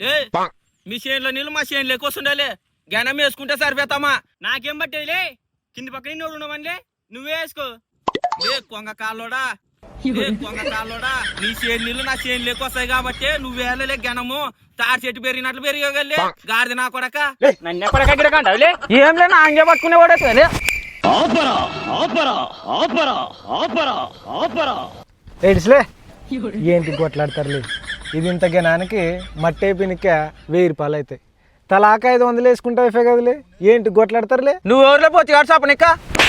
లే మీ చేనులో నీళ్ళు మా చేనులో ఎక్కువస్తుండాలి గనం వేసుకుంటే సరిపోతామా నాకేం పట్టేదిలే కింది పక్కన నోడు ఉండవనిలే నువ్వే వేసుకో లే కొంగ కాళ్ళోడా కొంగ కాళ్ళోడా నీ చేను నీళ్ళు నా చేనులు ఎక్కువ వస్తాయి కాబట్టి నువ్వేలే గనము తాడి చెట్టు పెరిగినట్లు పెరిగలే గాడిద నా కొడక నన్ను ఎక్కడికంటావులే ఏం లే నా అంగే పట్టుకునేవాడే ఏడిస్లే ఏంటి కొట్లాడతారులే ఇది ఇంత గనానికి మట్టి అయిపోయినక 1000 రూపాయలు అవుతాయి తలాక 500 వేసుకుంటావు ఇఫే కదలే ఏంటి కొట్లాడతారులే నువ్వు ఎవరిలో పోతే కాదు సాపనిక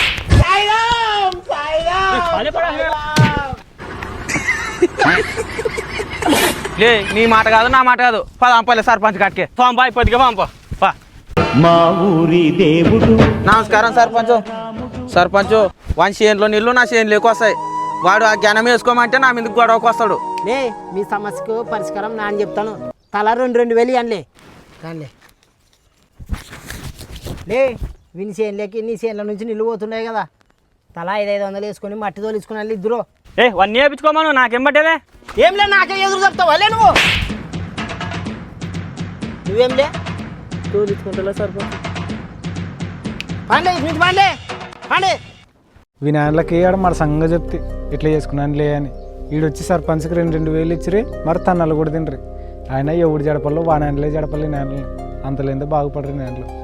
లే నీ మాట కాదు నా మాట కాదు పదంపలే సర్పంచ్ కాటికే పంపాయి పొద్దుగా పంప మా ఊరి దేవుడు. నమస్కారం సర్పంచ్ వాని చేనులో నీళ్ళు నా చేనులు ఎక్కువ వస్తాయి వాడు ఆ జ్ఞానం వేసుకోమంటే నా మీదకి గొడవకు వస్తాడు లే మీ సమస్యకు పరిష్కారం నా అని చెప్తాను తల 2,000 అనలే కానీ లే విని చేనులకి నీ చేనుల నుంచి నిల్లు పోతున్నాయి కదా తల 500 వేసుకొని మట్టి తోలుచుకుని వెళ్ళి ఇద్దరు వన్నీ వేయించుకోమను నాకేం పట్టేదే ఏంలే నాకే ఎదురు చెప్తావా లే నువ్వేంలే తోలుచుకుంటా సరిపోతుంది పండే నుంచి పండే వినాయకులకి ఆడ మన సంగ చెప్తే ఇట్లా చేసుకున్నాను లే అని ఈడొచ్చి సర్పంచ్కి 2,000 ఇచ్చిరి మరి తన్నలు కూడా తినరి ఆయన ఎవడు జడపల్లో వానాయనలే జడపల్లి నేనలు అంతలేందో బాగుపడరు నేనలు